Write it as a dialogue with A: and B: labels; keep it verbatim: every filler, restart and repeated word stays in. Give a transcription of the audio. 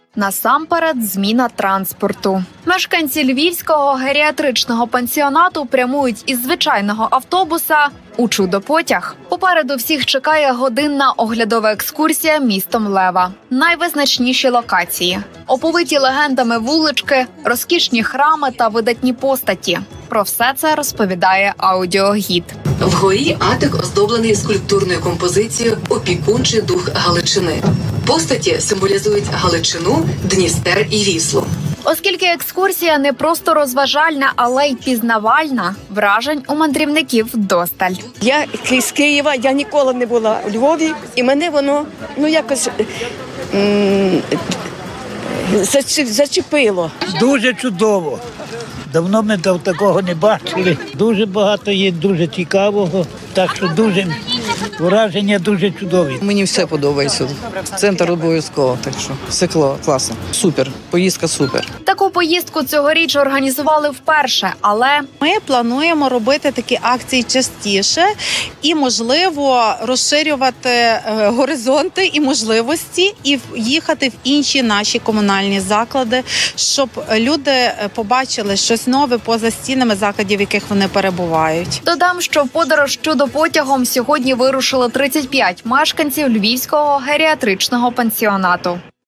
A: Насамперед, зміна транспорту. Мешканці львівського геріатричного пансіонату прямують із звичайного автобуса у чудо-потяг. Попереду всіх чекає годинна оглядова екскурсія містом Лева. Найвизначніші локації – оповиті легендами вулички, розкішні храми та видатні постаті. Про все це розповідає аудіогід.
B: Вгорі атик оздоблений скульптурною композицією «Опікунчий дух Галичини». Постаті символізують Галичину, Дністер і Віслу.
A: Оскільки екскурсія не просто розважальна, але й пізнавальна, вражень у мандрівників досталь.
C: Я з Києва, я ніколи не була у Львові, і мене воно, ну, якось м- зачепило.
D: Дуже чудово. Давно ми такого не бачили. Дуже багато є, дуже цікавого. Так що дуже враження дуже чудові.
E: Мені все подобається. Центр обов'язково, так що все класно. Супер, поїздка супер.
A: Таку поїздку цьогоріч організували вперше, але
F: ми плануємо робити такі акції частіше і, можливо, розширювати горизонти і можливості і їхати в інші наші комунальні заклади, щоб люди побачили щось нове поза стінами закладів, в яких вони перебувають.
A: Додам, що в подорож чудо-потягом сьогодні вирушили тридцять п'ять мешканців львівського геріатричного пансіонату.